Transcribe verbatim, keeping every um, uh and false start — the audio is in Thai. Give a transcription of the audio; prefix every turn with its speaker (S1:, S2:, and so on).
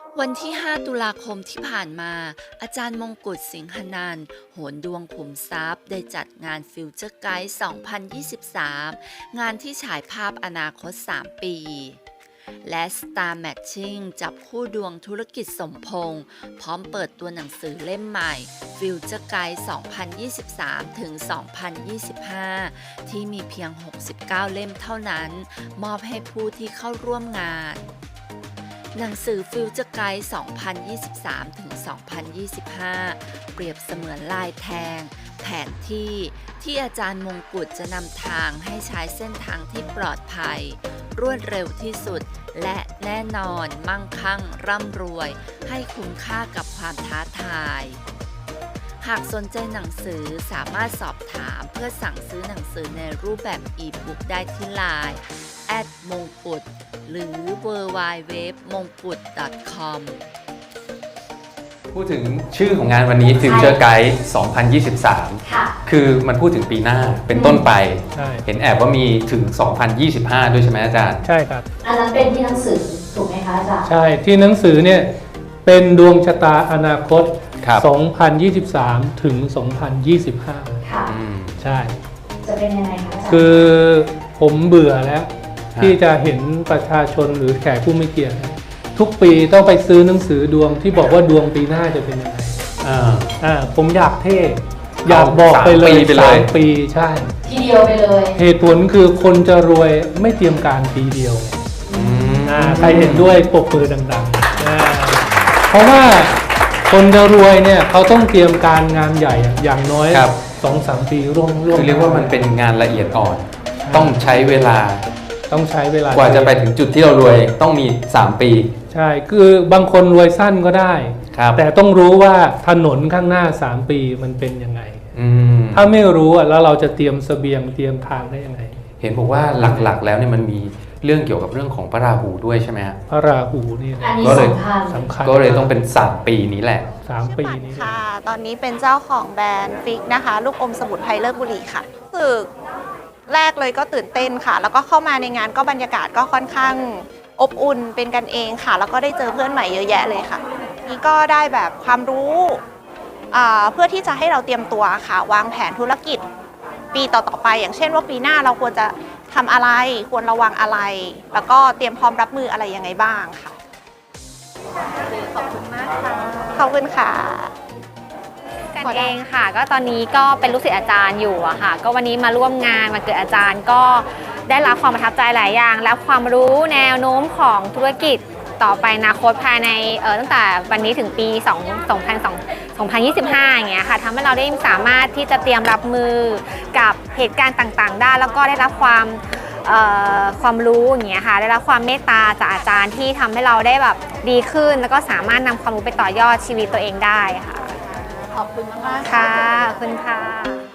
S1: วันที่ ห้า ตุลาคมที่ผ่านมา อาจารย์มงกุฎสิงหนันท์ โหนดวงขุมทรัพย์ ได้จัดงาน Future Guide สองพันยี่สิบสาม งานที่ฉายภาพอนาคต สาม ปี และ Star Matching จับคู่ดวงธุรกิจสมพงษ์พร้อมเปิดตัวหนังสือเล่มใหม่ Future Guide สองพันยี่สิบสาม ถึง สองพันยี่สิบห้า ที่มีเพียง หกสิบเก้า เล่มเท่านั้น มอบให้ผู้ที่เข้าร่วมงานหนังสือ Future Guide สองพันยี่สิบสาม ถึง สองพันยี่สิบห้า เปรียบเสมือนลายแทง แผนที่ที่อาจารย์มงกุฎจะนำทางให้ใช้เส้นทางที่ปลอดภัย รวดเร็วที่สุด และแน่นอนมั่งคั่งร่ำรวย ให้คุ้มค่ากับความท้าทาย หากสนใจหนังสือสามารถสอบถามเพื่อสั่งซื้อหนังสือในรูปแบบอีบุ๊กได้ที่ไลน์ แอท มงกุฎ หรือ ดับเบิลยู ดับเบิลยู ดับเบิลยู ดอท มงกุฎ ดอท คอม
S2: พูดถึงชื่อของงานวันนี้ Future Guide สองพันยี่สิบสาม
S3: ค่ะ
S2: คือมันพูดถึงปีหน้าเป็นต้นไป
S4: ใช่
S2: เห็นแอบว่ามีถึง สองพันยี่สิบห้า ด้วยใช่ไหมอาจารย์
S4: ใช่ครับ
S3: อันนั้นเป็นที่หนังสือถูกไหมคะอาจารย์
S4: ใช่ที่หนังสือเนี่ยเป็นดวงชะตาอนาคต
S2: ครับ
S4: สองพันยี่สิบสาม ถึง สองพันยี่สิบห้า
S3: ค่ะ
S2: อืม
S4: ใช่
S3: จะเป็นยังไงคะอาจารย์
S4: คือผมเบื่อแล้ว
S2: ฮะ
S4: ที่จะเห็นประชาชนหรือแขกผู้มีเกียรติทุกปีต้องไปซื้อหนังสือดวงที่บอกว่าดวงปีหน้าจะเป็นยังไง
S2: อ่า
S4: อ่าผมอยากเท่อยากบอกไปเลย
S2: สามปีไปเลย
S4: สามปีใช่
S3: ทีเดียวไปเลย
S4: เหตุผลคือคนจะรวยไม่เตรียมการปีเดียว
S2: อืม
S4: อ่าใครเห็นด้วยปรบมือดังๆอ่าเพราะว่าคนจะรวยเนี่ยเขาต้องเตรียมการงานใหญ่อะอย่างน้อย
S2: ครับ
S4: สองสามปีร่วมร่วม
S2: คือเรียกว่ามันเป็นงานละเอียดอ่อน ต้องใช้เวลา
S4: ต้องใช้เวลาก
S2: ว่าจะไปถึงจุดที่เรารวยต้องมี สาม ปี
S4: ใช่คือบางคนรวยสั้นก็ได้
S2: ครับ
S4: แต่ต้องรู้ว่าถนนข้างหน้าสามปีมันเป็นยังไง
S2: อืม
S4: ถ้าไม่รู้อะแล้วเราจะเตรียมเสบียงเตรียมทางได้ยังไง
S2: เห็นบอกว่าหลักๆ แล้วเนี่ยมันมีเรื่องเกี่ยวกับเรื่องของพระราหูด้วยใช่ไหมฮะ
S4: พระราหูนี่นะ
S3: อันนี้
S2: ก็เลย
S3: สำคัญ
S4: สำคัญ
S2: ก็เลยต้องเป็น สาม ปีนี้แหละ
S4: สามปีนี้
S5: ค่ะ ตอนนี้เป็นเจ้าของแบรนด์ฟิกนะคะ ลูกอมสมุนไพรเลิศบุรีค่ะรู้สึกแรกเลยก็ตื่นเต้นค่ะ แล้วก็เข้ามาในงานก็บรรยากาศก็ค่อนข้างอบอุ่นเป็นกันเองค่ะ แล้วก็ได้เจอเพื่อนใหม่เยอะแยะเลยค่ะ นี่ก็ได้แบบความรู้อ่าเพื่อที่จะให้เราเตรียมตัวค่ะ วางแผนธุรกิจปีต่อๆไป อย่างเช่นว่าปีหน้าเราควรจะทำอะไร ควรระวังอะไร แล้วก็เตรียมพร้อมรับมืออะไรยังไงบ้างค่ะ ขอบคุณมากค่ะ ขอบคุณค่ะ
S6: กันเองค่ะก็ตอนนี้ก็เป็นลูกศิษย์อาจารย์อยู่อะค่ะก็วันนี้มาร่วมงานมาเกิดอาจารย์ก็ได้รับความประทับใจหลายอย่างและความรู้แนวโน้มของธุรกิจต่อไปอนาคตภายในเออตั้งแต่วันนี้ถึงปีสองพันยี่สิบห้าอย่างเงี้ยค่ะทำให้เราได้สามารถที่จะเตรียมรับมือกับเหตุการณ์ต่างๆได้แล้วก็ได้รับความเอ่อความรู้อย่างเงี้ยค่ะได้รับความเมตตาจากอาจารย์ที่ทำให้เราได้แบบดีขึ้น แล้วก็สามารถนำความรู้ไปต่อยอดชีวิตตัวเองได้ค่ะ
S5: ขอบคุณมากๆ
S6: ค่ะ ขอบคุณค่ะ